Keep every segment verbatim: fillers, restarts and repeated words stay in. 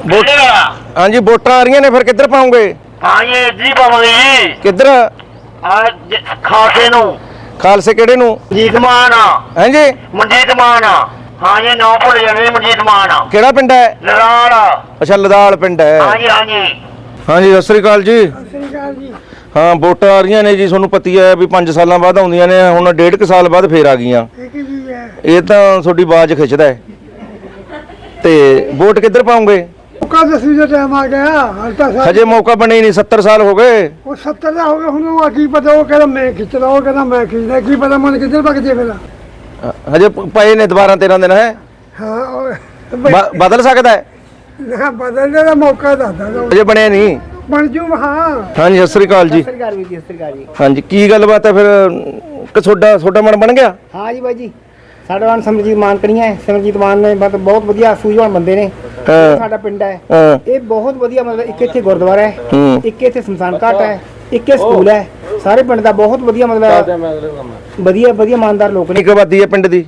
Vote ਹਾਂਜੀ ਵੋਟਾਂ ਆ ਰਹੀਆਂ ਨੇ ਫਿਰ ਕਿੱਧਰ ਪਾਉਂਗੇ? ਹਾਂ ਜੀ ਜੀ ਪਾਵਾਂਗੇ ਜੀ। ਕਿੱਧਰ? ਆ ਖਾਸੇ ਨੂੰ। ਖਾਲਸੇ ਕਿਹੜੇ ਨੂੰ? ਮਨਜੀਤ ਮਾਨ। ਹਾਂਜੀ ਮਨਜੀਤ ਮਾਨ। ਹਾਂ ਜੀ ਨਾਂ ਭੁੱਲ ਜਾਣੇ ਮਨਜੀਤ ਮਾਨ। ਕਿਹੜਾ ਪਿੰਡ ਹੈ? ਲੜਾਲ। ਅੱਛਾ ਲਦਾਲ ਪਿੰਡ ਹੈ। ਹਾਂ ਜੀ ਹਾਂ ਜੀ ਹਾਂਜੀ ਸਤਿ ਸ੍ਰੀ ਅਕਾਲ ਜੀ। ਸਤਿ ਸ੍ਰੀ ਅਕਾਲ ਜੀ। ਹਾਂ ਵੋਟਾਂ ਆ ਰਹੀਆਂ ਨੇ ਜੀ, ਤੁਹਾਨੂੰ ਪਤੀ ਹੈ ਵੀ ਪੰਜ ਸਾਲਾਂ ਬਾਅਦ ਆਉਂਦੀਆਂ ਨੇ, ਹੁਣ ਡੇਢ ਕੁ ਸਾਲ ਬਾਅਦ ਫੇਰ ਆ ਗਈਆਂ। ਇਹ ਤਾਂ ਤੁਹਾਡੀ ਆਵਾਜ਼ ਖਿੱਚਦਾ ਹੈ। ਤੇ ਵੋਟ ਕਿੱਧਰ ਪਾਉਂਗੇ? ਮੌਕਾ ਦਸਵੀਂ ਦਾ ਟਾਈਮ ਆ ਗਿਆ। ਹਜੇ ਮੌਕਾ ਬਣੇ ਹੀ ਨਹੀਂ, ਸੱਤਰ ਸਾਲ ਹੋ ਗਏ। ਉਹ ਸੱਤਰ ਦਾ ਹੋ ਗਿਆ, ਹੁਣ ਉਹ ਕੀ ਪਤਾ, ਉਹ ਕਹਿੰਦਾ ਮੈਂ ਖਿੱਚਦਾ, ਉਹ ਕਹਿੰਦਾ ਮੈਂ ਖਿੱਚਦਾ, ਕੀ ਪਤਾ ਮਨ ਕਿੱਧਰ ਭੱਜ ਜੇ ਫਿਰ। ਹਜੇ ਪਏ ਨੇ ਦੁਬਾਰਾ ਤੇਰਾਂ ਦਿਨ ਹੈ। ਹਾਂ ਉਹ ਬ- ਬਦਲ ਸਕਦਾ ਹੈ। ਨਾ ਬਦਲਣੇ ਦਾ ਮੌਕਾ ਦੱਸਦਾ ਹਜੇ ਬਣਿਆ ਨਹੀਂ। ਬਣ ਜੂ। ਹਾਂ ਹਾਂਜੀ ਸਤਿ ਸ੍ਰੀ ਅਕਾਲ ਜੀ। ਸਰਕਾਰ ਵੀ ਦੀ ਸਰਕਾਰ ਜੀ। ਹਾਂਜੀ ਕੀ ਗੱਲਬਾਤ ਹੈ ਫਿਰ ਕਿ ਤੁਹਾਡਾ ਤੁਹਾਡਾ ਮਨ ਬਣ ਗਿਆ? ਹਾਂ ਜੀ ਬਾਈ ਜੀ, ਸਾਡਾ ਨਾਮ ਸਿਮਰਜੀਤ ਮਾਨ ਕਣੀਆਂ ਹੈ। ਸਿਮਰਜੀਤ ਮਾਨ ਨੇ ਬਹੁਤ ਬਹੁਤ ਵਧੀਆ ਸੂਝਵਾਨ ਬੰਦੇ ਨੇ। ਹਾਂ। ਸਾਡਾ ਪਿੰਡ ਹੈ ਹਾਂ। ਇਹ ਬਹੁਤ ਵਧੀਆ, ਮਤਲਬ ਇੱਕ ਇੱਥੇ ਗੁਰਦੁਆਰਾ ਹੈ, ਹੂੰ। ਇੱਕ ਇੱਥੇ ਸ਼ਮਸ਼ਾਨ ਘਾਟ ਹੈ, ਇੱਕ ਇਹ ਸਕੂਲ ਹੈ। ਸਾਰੇ ਪਿੰਡ ਦਾ ਬਹੁਤ ਵਧੀਆ, ਮਤਲਬ ਵਧੀਆ ਵਧੀਆ ਇਮਾਨਦਾਰ ਲੋਕ ਨੇ। ਕਿੰਨੀ ਕੁ ਆਬਾਦੀ ਹੈ ਪਿੰਡ ਦੀ?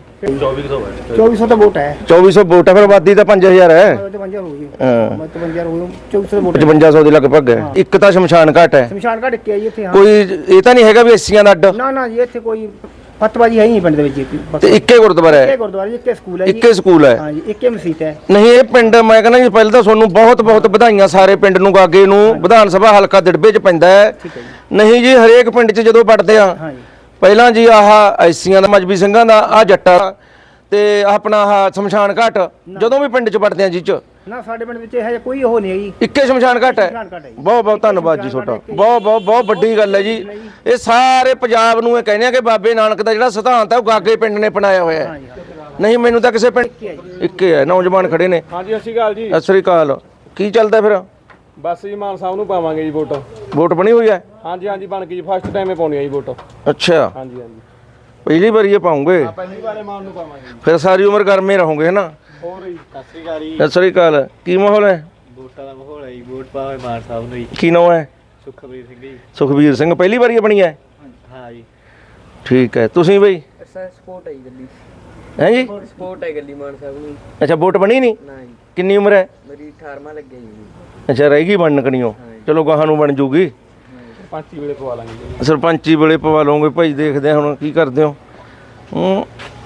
ਚੌਵੀ ਸੌ ਦਾ ਵੋਟ ਹੈ। ਚੌਵੀ ਸੌ ਵੋਟ ਹੈ, ਫਿਰ ਆਬਾਦੀ ਤਾਂ ਪੰਜ ਹਜ਼ਾਰ ਹੈ। ਪਚਵੰਜਾ ਹੋ ਗਈ। ਹਾਂ ਪਚਵੰਜਾ ਹੋ ਗਈ। ਚੌਵੀ ਸੌ ਦਾ ਵੋਟ ਹੈ। ਪਚਵੰਜਾ ਸੌ ਦੇ ਲਗਭਗ ਹੈ। ਇੱਕ ਤਾਂ ਸ਼ਮਸ਼ਾਨ ਘਾਟ ਹੈ। ਸ਼ਮਸ਼ਾਨ ਘਾਟ ਇੱਕ ਹੈ ਜੀ ਇੱਥੇ। ਹਾਂ ਕੋਈ ਇਹ ਤਾਂ ਨਹੀਂ ਹੈਗਾ ਵੀ ਐਸੀਆਂ ਦਾ ਅੱਡ? ਨਾ ਨਾ ਜੀ, ਇੱਥੇ ਕੋਈ ਫਤਵਾਜੀ ਹੈ ਹੀ ਨਹੀਂ ਪਿੰਡ ਦੇ ਵਿੱਚ। ਤੇ ਇੱਕੇ ਗੁਰਦੁਆਰਾ ਇੱਕੇ ਹੈ, ਗੁਰਦੁਆਰਾ ਜੀ, ਇੱਕੇ ਸਕੂਲ ਹੈ ਜੀ। ਇੱਕੇ ਸਕੂਲ ਹੈ। ਹਾਂ ਜੀ, ਇੱਕੇ ਮਸਜਿਦ ਹੈ। ਨਹੀਂ ਇਹ ਪਿੰਡ ਮੈਂ ਕਹਿੰਦਾ ਜੀ ਪਹਿਲਾਂ ਤਾਂ ਤੁਹਾਨੂੰ ਬਹੁਤ ਬਹੁਤ ਵਧਾਈਆਂ ਸਾਰੇ ਪਿੰਡ ਨੂੰ, ਗਾਗੇ ਨੂੰ। ਵਿਧਾਨ ਸਭਾ ਹਲਕਾ ਦਿੜਬੇ ਚ ਪੈਂਦਾ ਹੈ। ਠੀਕ ਹੈ ਜੀ। ਨਹੀਂ ਜੀ ਹਰੇਕ ਪਿੰਡ ਚ ਜਦੋਂ ਵੜਦੇ ਆ, ਹਾਂ ਜੀ। ਪਹਿਲਾਂ ਜੀ ਆਹ ਐਸੀਆਂ ਦਾ, ਮਜਬੀ ਸਿੰਘਾਂ ਦਾ, ਆ ਜੱਟਾਂ ਤੇ ਆਪਣਾ ਆਹ ਸ਼ਮਸ਼ਾਨ ਘਾਟ, ਜਦੋਂ ਵੀ ਪਿੰਡ ਚ ਵੜਦੇ ਆ ਜੀ ਚ ਨਾ ਸਾਡੇ ਪਿੰਡ ਵਿੱਚ ਇਹ ਕੋਈ ਉਹ ਨਹੀਂ ਹੈ ਜੀ। ਇੱਕੇ ਸ਼ਮਸ਼ਾਨ ਘਾਟ ਹੈ। ਸ਼ਮਸ਼ਾਨ ਘਾਟ ਹੈ ਜੀ। ਬਹੁਤ ਬਹੁਤ ਧੰਨਵਾਦ ਜੀ ਤੁਹਾਡਾ, ਬਹੁਤ ਬਹੁਤ ਬਹੁਤ ਵੱਡੀ ਗੱਲ ਹੈ ਜੀ। ਇਹ ਸਾਰੇ ਪੰਜਾਬ ਨੂੰ ਇਹ ਕਹਿੰਦੇ ਆ ਕਿ ਬਾਬੇ ਨਾਨਕ ਦਾ ਜਿਹੜਾ ਸਿਧਾਂਤ ਹੈ ਉਹ ਗਾਗੇ ਪਿੰਡ ਨੇ ਅਪਣਾਇਆ ਹੋਇਆ ਹੈ। ਨਹੀਂ ਮੈਨੂੰ ਤਾਂ ਕਿਸੇ ਪਿੰਡ ਇੱਕੇ ਹੈ। ਨੌਜਵਾਨ ਖੜੇ ਨੇ। ਹਾਂਜੀ ਸਤਿ ਸ਼੍ਰੀ ਅਕਾਲ ਜੀ। ਸਤਿ ਸ੍ਰੀ ਅਕਾਲ। ਕੀ ਚੱਲਦਾ ਫਿਰ? ਬਸ ਜੀ ਮਾਨ ਸਾਹਿਬ ਨੂੰ ਪਾਵਾਂਗੇ ਜੀ ਵੋਟ। ਵੋਟ ਬਣੀ ਹੋਈ ਹੈ? ਹਾਂਜੀ ਹਾਂਜੀ ਬਣ ਗਈ ਜੀ, ਫਸਟ ਟਾਈਮ ਹੀ ਪਾਉਣੀ ਹੈ ਜੀ ਵੋਟ। ਅੱਛਾ ਹਾਂਜੀ ਹਾਂਜੀ ਪਹਿਲੀ ਵਾਰੀ ਇਹ ਪਾਉਂਗੇ? ਪਹਿਲੀ ਵਾਰੇ ਮਾਨ ਨੂੰ ਪਾਵਾਂਗੇ। ਫਿਰ ਸਾਰੀ ਉਮਰ ਗਰਮੇ ਰਹੋਗੇ ਹੈ ਨਾ? ਹੋਰ ਜੀ ਸਤਿ ਸ਼੍ਰੀ ਅਕਾਲ ਜੀ। ਸਤਿ ਸ੍ਰੀ ਅਕਾਲ। ਕੀ ਮਾਹੌਲ ਹੈ? ਵੋਟਾਂ ਦਾ ਮਾਹੌਲ ਹੈ ਜੀ, ਵੋਟ ਪਾਵੇ ਮਾਨ ਸਾਹਿਬ ਨੂੰ ਜੀ। ਕੀ ਨਾਮ ਹੈ? ਸੁਖਬੀਰ ਸਿੰਘ ਜੀ। ਸੁਖਬੀਰ ਸਿੰਘ ਪਹਿਲੀ ਵਾਰੀ ਬਣੀ ਹੈ? ਹਾਂ ਜੀ। ਠੀਕ ਹੈ। ਤੁਸੀਂ ਬਈ? ਸਪੋਰਟ ਹੈ ਗੱਡੀ। ਹੈ ਜੀ? ਸਪੋਰਟ ਹੈ ਗੱਡੀ ਮਾਨ ਸਾਹਿਬ ਨੂੰ। ਅੱਛਾ ਵੋਟ ਬਣੀ ਨਹੀਂ? ਨਾ ਜੀ, ਕਿੰਨੀ ਉਮਰ ਹੈ? ਮੇਰੀ ਅਠਾਰਵਾਂ ਲੱਗਿਆ ਜੀ। ਅੱਛਾ ਰਹਿ ਗਈ ਬਣਨ ਕਣੀਓ। ਚਲੋ ਗਾਹਾਂ ਨੂੰ ਬਣ ਜੂਗੀ। ਪੰਚੀ ਵੇਲੇ ਪਵਾ ਲਾਂਗੇ ਜੀ। ਸਰਪੰਚੀ ਵੇਲੇ ਪਵਾ ਲਓਗੇ ਭਾਈ, ਦੇਖਦੇ ਆ ਹੁਣ ਕੀ ਕਰਦੇ ਹੋ। ਹੂੰ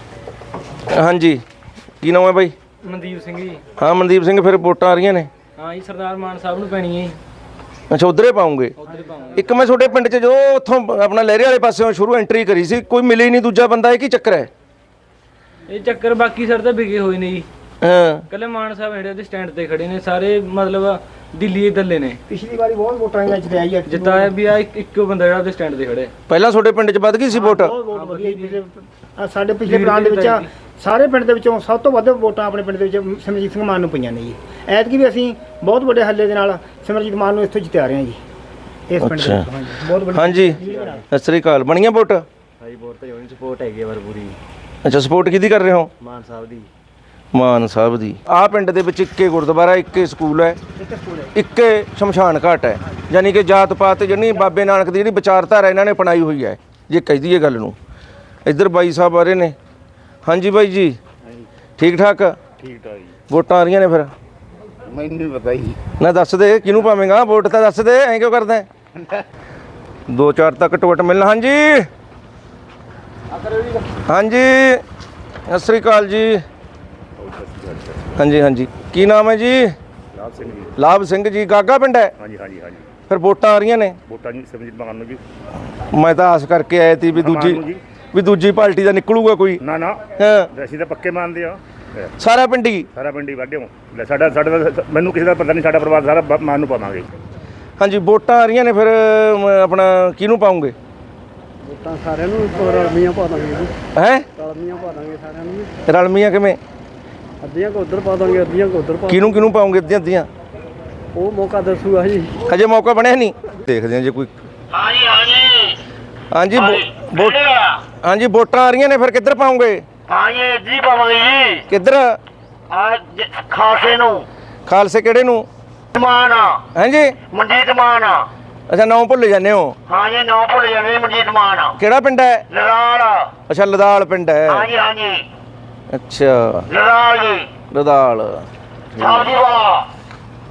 ਹਾਂਜੀ ਕੀ ਨਾਮ ਹੈ ਬਾਈ? ਮਨਦੀਪ ਸਿੰਘ ਜੀ। ਹਾਂ ਮਨਦੀਪ ਸਿੰਘ, ਫਿਰ ਵੋਟਾਂ ਆ ਰਹੀਆਂ ਨੇ? ਹਾਂ ਜੀ ਸਰਦਾਰ ਮਾਨ ਸਾਹਿਬ ਨੂੰ ਪੈਣੀ ਹੈ ਜੀ। ਅੱਛਾ ਉਧਰੇ ਪਾਉਂਗੇ? ਉੱਧਰ ਪਾਵਾਂਗੇ। ਇੱਕ ਮੈਂ ਤੁਹਾਡੇ ਪਿੰਡ 'ਚ ਜੋ ਉੱਥੋਂ ਆਪਣਾ ਲਹਿਰੇ ਵਾਲੇ ਪਾਸਿਓਂ ਸ਼ੁਰੂ ਐਂਟਰੀ ਕਰੀ ਸੀ, ਕੋਈ ਮਿਲੇ ਹੀ ਨਹੀਂ ਦੂਜਾ ਬੰਦਾ, ਇਹ ਕੀ ਚੱਕਰ ਹੈ? ਇਹ ਚੱਕਰ ਬਾਕੀ ਸਰ ਤਾਂ ਵਿਗੇ ਹੋਏ ਨੇ ਜੀ। ਹਾਂ ਕੱਲੇ ਮਾਨ ਸਾਹਿਬ ਜਿਹੜੇ ਦੇ ਸਟੈਂਡ ਤੇ ਖੜੇ ਨੇ, ਸਾਰੇ ਮਤਲਬ ਦਿੱਲੀ ਦੱਲੇ ਨੇ। ਪਿਛਲੀ ਵਾਰੀ ਬਹੁਤ ਵੋਟਾਂ ਆਈਆਂ ਜਿੱਤੇ ਆਈ ਹੈ। ਜਿੱਤਾ ਵੀ ਆ ਇੱਕ ਇੱਕੋ ਬੰਦਾ ਜਿਹੜਾ ਉਹਦੇ ਸਟੈਂਡ ਤੇ ਖੜੇ। ਪਹਿਲਾਂ ਤੁਹਾਡੇ ਪਿੰਡ 'ਚ ਵੱਧ ਗਈ ਸੀ ਵੋਟ? ਬਹੁਤ ਵਧੀਆ ਜੀ। ਆਹ ਸਾਡੇ ਪਿਛਲੇ ਪਲਾਨ ਦੇ ਵਿੱਚ ਸਾਰੇ ਪਿੰਡ ਦੇ ਵਿੱਚੋਂ ਸਭ ਤੋਂ ਵੱਧ ਵੋਟਾਂ ਆਪਣੇ ਪਿੰਡ ਦੇ ਵਿੱਚ ਸਿਮਰਜੀਤ ਸਿੰਘ ਮਾਨ ਨੂੰ ਪਈਆਂ ਨੇ ਜੀ। ਐਤਕੀ ਵੀ ਅਸੀਂ ਬਹੁਤ ਵੱਡੇ ਹੱਲੇ ਦੇ ਨਾਲ ਸਿਮਰਜੀਤ ਮਾਨ ਨੂੰ ਇੱਥੋਂ ਜਿੱਤਿਆ ਰਹੇ ਹਾਂ ਜੀ, ਇਸ ਪਿੰਡ ਦੇ ਵਿੱਚ। ਹਾਂਜੀ ਬਹੁਤ ਵੱਡੀ। ਹਾਂਜੀ ਸਤਿ ਸ੍ਰੀ ਅਕਾਲ। ਬਣੀਆਂ ਵੋਟ? ਹਾਂਜੀ ਵੋਟ ਤਾਂ ਹੋਣੀ, ਸਪੋਰਟ ਹੈਗੀ ਆ ਪਰ ਪੂਰੀ ਅੱਛਾ ਸਪੋਰਟ ਕਿਹਦੀ ਕਰ ਰਹੇ ਹੋ? ਮਾਨ ਸਾਹਿਬ ਦੀ। ਮਾਨ ਸਾਹਿਬ ਦੀ। ਆਹ ਪਿੰਡ ਦੇ ਵਿੱਚ ਇੱਕੇ ਗੁਰਦੁਆਰਾ, ਇੱਕੇ ਸਕੂਲ ਹੈ, ਇੱਕੇ ਸ਼ਮਸ਼ਾਨ ਘਾਟ ਹੈ। ਯਾਨੀ ਕਿ ਜਾਤ ਪਾਤ ਜਿਹੜੀ ਬਾਬੇ ਨਾਨਕ ਦੀ ਜਿਹੜੀ ਵਿਚਾਰਧਾਰਾ ਇਹਨਾਂ ਨੇ ਅਪਣਾਈ ਹੋਈ ਹੈ, ਜੇ ਕਹਿ ਦਈਏ ਗੱਲ ਨੂੰ। ਇੱਧਰ ਬਾਈ ਸਾਹਿਬ ਆ ਰਹੇ ਨੇ। ਹਾਂਜੀ ਬਾਈ ਜੀ ਠੀਕ ਠਾਕ? ਠੀਕ ਠਾਕ ਜੀ। ਵੋਟਾਂ ਆ ਰਹੀਆਂ ਨੇ ਫਿਰ? ਮੈਨੂੰ ਨਹੀਂ ਪਤਾ ਜੀ। ਨਾ ਦੱਸ ਦੇ ਕਿਹਨੂੰ ਪਾਵੇਂਗਾ ਵੋਟ, ਤਾਂ ਦੱਸ ਦੇ, ਐਂ ਕਿਉਂ ਕਰਦਾ? ਦੋ ਚਾਰ ਤੱਕ ਟੁੱਟ ਮਿਲਣਾ। ਹਾਂਜੀ ਹਾਂਜੀ ਸਤਿ ਸ੍ਰੀ ਅਕਾਲ ਜੀ। ਹਾਂਜੀ ਹਾਂਜੀ ਕੀ ਨਾਮ ਹੈ ਜੀ? ਲਾਭ ਸਿੰਘ ਜੀ। ਲਾਭ ਸਿੰਘ ਜੀ। ਗਾਗਾ ਪਿੰਡ ਹੈ? ਹਾਂਜੀ ਹਾਂਜੀ ਹਾਂਜੀ। ਫਿਰ ਵੋਟਾਂ ਆ ਰਹੀਆਂ ਨੇ? ਵੋਟਾਂ ਜੀ ਸਿਮਰਜੀਤ ਮਾਨ ਨੂੰ ਜੀ। ਮੈਂ ਤਾਂ ਆਸ ਕਰਕੇ ਆਇਆ ਸੀ ਵੀ ਦੂਜੀ ਵੀ ਦੂਜੀ ਪਾਰਟੀ ਦਾ ਨਿਕਲੂਗਾ ਕੋਈ। ਨਾ ਨਾ ਹਾਂ ਅਸੀਂ ਤਾਂ ਪੱਕੇ ਮੰਨਦੇ ਆ। ਸਾਰਾ ਪਿੰਡ ਹੀ? ਸਾਰਾ ਪਿੰਡ ਹੀ ਵਾਢਿਓ ਲੈ। ਸਾਡਾ ਸਾਡਾ ਤਾਂ ਮੈਨੂੰ ਕਿਸੇ ਦਾ ਪਤਾ ਨਹੀਂ, ਸਾਡਾ ਪਰਿਵਾਰ ਸਾਰਾ ਬ- ਮਾਨ ਨੂੰ ਪਾਵਾਂਗੇ। ਹਾਂਜੀ ਵੋਟਾਂ ਆ ਰਹੀਆਂ ਨੇ ਫਿਰ ਅਮ, ਆਪਣਾ ਕਿਹਨੂੰ ਪਾਉਂਗੇ? ਵੋਟਾਂ ਸਾਰਿਆਂ ਨੂੰ ਰਲਮੀਆਂ ਪਾ ਦਾਂਗੇ ਜੀ। ਹੈ ਰਲਮੀਆਂ ਪਾ ਦਾਂਗੇ ਸਾਰਿਆਂ ਨੂੰ। ਰਲਮੀਆਂ ਕਿਵੇਂ? ਅੱਧੀਆਂ ਕੋ ਉਧਰ ਪਾ ਦਾਂਗੇ, ਅੱਧੀਆਂ ਕੋ ਉਧਰ ਪਾ। ਕਿਹਨੂੰ ਕਿਹਨੂੰ ਪਾਉਂਗੇ ਅੱਧੀਆਂ ਅੱਧੀਆਂ? ਉਹ ਮੌਕਾ ਦੱਸੂਗਾ ਜੀ। ਹਜੇ ਮੌਕਾ ਬਣਿਆ ਨਹੀਂ, ਦੇਖਦੇ ਹਾਂ ਜੇ ਕੋਈ। ਹਾਂ ਜੀ ਹਾਂ ਜੀ ਹਾਂਜੀ ਵੋਟ ਹਾਂਜੀ ਵੋਟਾਂ ਆ ਰਹੀਆਂ ਨੇ ਫਿਰ ਕਿੱਧਰ ਪਾਉਂਗੇ? ਹਾਂ ਜੀ ਜੀ ਪਾਵਾਂਗੇ ਜੀ। ਕਿੱਧਰ? ਆ ਖਾਸੇ ਨੂੰ। ਖਾਲਸੇ ਕਿਹੜੇ ਨੂੰ? ਮਾਨ। ਹਾਂਜੀ ਮਨਜੀਤ ਮਾਨ। ਅੱਛਾ ਨਾਮ ਭੁੱਲ ਜਾਂਦੇ ਹੋ? ਹਾਂ ਜੀ ਨਾਂ ਭੁੱਲ ਜਾਣੇ ਮਨਜੀਤ ਮਾਨ। ਕਿਹੜਾ ਪਿੰਡ ਹੈ? ਲੜਾਲ। ਅੱਛਾ ਲਦਾਲ ਪਿੰਡ ਹੈ। ਹਾਂ ਜੀ ਹਾਂ ਜੀ ਅੱਛਾ ਲੜਾਲ ਜੀ। ਲਦਾਲ। ਸਾਡੀ ਵਾਲਾ।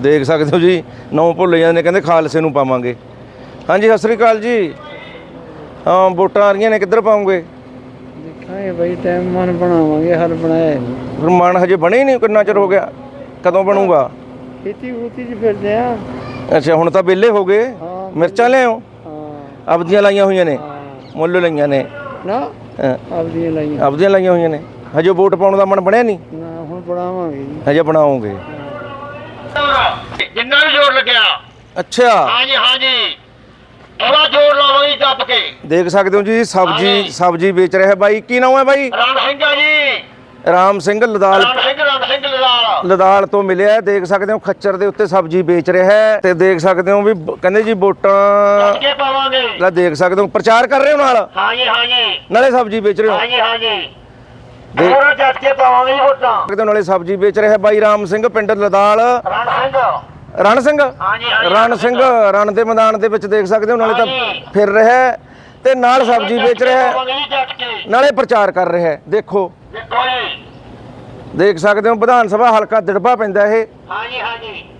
ਦੇਖ ਸਕਦੇ ਹੋ ਜੀ ਨੌ ਭੁੱਲ ਜਾਂਦੇ ਨੇ, ਕਹਿੰਦੇ ਖਾਲਸੇ ਨੂੰ ਪਾਵਾਂਗੇ। ਹਾਂਜੀ ਸਤਿ ਸ੍ਰੀ ਅਕਾਲ ਜੀ। ਹਾਂ ਵੋਟਾਂ ਆ ਰਹੀਆਂ ਨੇ, ਕਿੱਧਰ ਪਾਉਂਗੇ? ਦੇਖਾਂਗੇ ਬਈ ਟਾਈਮ ਮਨ ਬਣਾਵਾਂਗੇ, ਹਲ ਬਣਾਇਆ ਨਹੀਂ। ਫਿਰ ਮਨ ਹਜੇ ਬਣੇ ਹੀ ਨਹੀਂ, ਕਿੰਨਾ ਚਿਰ ਹੋ ਗਿਆ, ਕਦੋਂ ਬਣੂਗਾ? ਖੇਤੀ ਖੂਤੀ 'ਚ ਫਿਰਦੇ ਆ। ਅੱਛਾ ਹੁਣ ਤਾਂ ਵਿਹਲੇ ਹੋ ਗਏ। ਹਾਂ। ਮਿਰਚਾਂ ਲਿਆਓ? ਹਾਂ ਆਪਦੀਆਂ ਲਾਈਆਂ ਹੋਈਆਂ ਨੇ? ਹਾਂ। ਮੁੱਲ ਲਈਆਂ ਨੇ? ਨਾ ਹਾਂ, ਆਪਦੀਆਂ ਲਾਈਆਂ। ਆਪਦੀਆਂ ਲਾਈਆਂ ਹੋਈਆਂ ਨੇ। ਹਜੇ ਵੋਟ ਪਾਉਣ ਦਾ ਮਨ ਬਣਿਆ ਨਹੀਂ? ਨਾ ਹੁਣ ਬਣਾਵਾਂਗੇ ਜੀ। ਹਜੇ ਬਣਾਓਗੇ? ਜਿੰਨਾ ਵੀ ਜੋਰ ਲੱਗਿਆ। ਅੱਛਾ ਹਾਂਜੀ ਹਾਂਜੀ ਬੜਾ ਜੋਰ ਲਾਵਾਂਗੇ ਦੱਬ ਕੇ। ਦੇਖ ਸਕਦੇ ਹੋ ਜੀ ਸਬਜੀ ਸਬਜੀ ਵੇਚ ਰਿਹਾ ਬਾਈ। ਕੀ ਨਾਮ ਹੈ ਬਾਈ? ਰਾਮ ਸਿੰਘ ਆ ਜੀ। ਰਾਮ ਸਿੰਘ ਲਦਾਲ ਰਾਮ ਸਿੰਘ ਰਾਮ ਸਿੰਘ ਲਦਾਲ। ਲਦਾਲ ਤੋਂ ਮਿਲਿਆ। ਦੇਖ ਸਕਦੇ ਹੋ ਖੱਚਰ ਦੇ ਉੱਤੇ ਸਬਜੀ ਵੇਚ ਰਿਹਾ ਹੈ ਤੇ ਦੇਖ ਸਕਦੇ ਹੋ ਵੀ ਬ- ਕਹਿੰਦੇ ਜੀ ਵੋਟਾਂ ਅੱਗੇ ਪਾਵਾਂਗੇ। ਲੈ ਦੇਖ ਸਕਦੇ ਹੋ ਪ੍ਰਚਾਰ ਕਰ ਰਹੇ ਹੋ ਨਾਲ ਹਾਂਜੀ ਹਾਂਜੀ ਨਾਲੇ ਸਬਜੀ ਵੇਚ ਰਹੇ ਹੋ। ਹਾਂਜੀ ਹਾਂਜੀ ਦੇਖ ਹੋਰ ਜੱਟ ਕੇ ਪਾਵਾਂਗੇ ਜੀ ਵੋਟਾਂ। ਸਕਦੇ ਹੋ ਨਾਲੇ ਸਬਜੀ ਵੇਚ ਰਿਹਾ ਬਾਈ ਰਾਮ ਸਿੰਘ ਪਿੰਡ ਲਦਾਲ। ਰਾਮ ਸਿੰਘ ਰਣ ਸਿੰਘ ਹਾਂਜੀ ਹਾਂਜੀ ਰਣ ਸਿੰਘ ਰਣ ਦੇ ਮੈਦਾਨ ਦੇ ਵਿੱਚ ਦੇਖ ਸਕਦੇ ਹੋ ਨਾਲੇ ਤਾਂ ਹਾਂਜੀ। ਫਿਰ ਰਿਹਾ ਹੈ ਤੇ ਨਾਲ ਸਬਜੀ ਵੇਚ ਰਿਹਾ ਹੈ, ਪਾਵਾਂਗੇ ਜੀ ਜੱਟ ਕੇ। ਨਾਲੇ ਪ੍ਰਚਾਰ ਕਰ ਰਿਹਾ ਹੈ। ਦੇਖੋ ਦੇਖੋ ਜੀ। ਦੇਖ ਸਕਦੇ ਹੋ ਵਿਧਾਨ ਸਭਾ ਹਲਕਾ ਦਿੜਬਾ ਪੈਂਦਾ ਇਹ। ਹਾਂਜੀ ਹਾਂਜੀ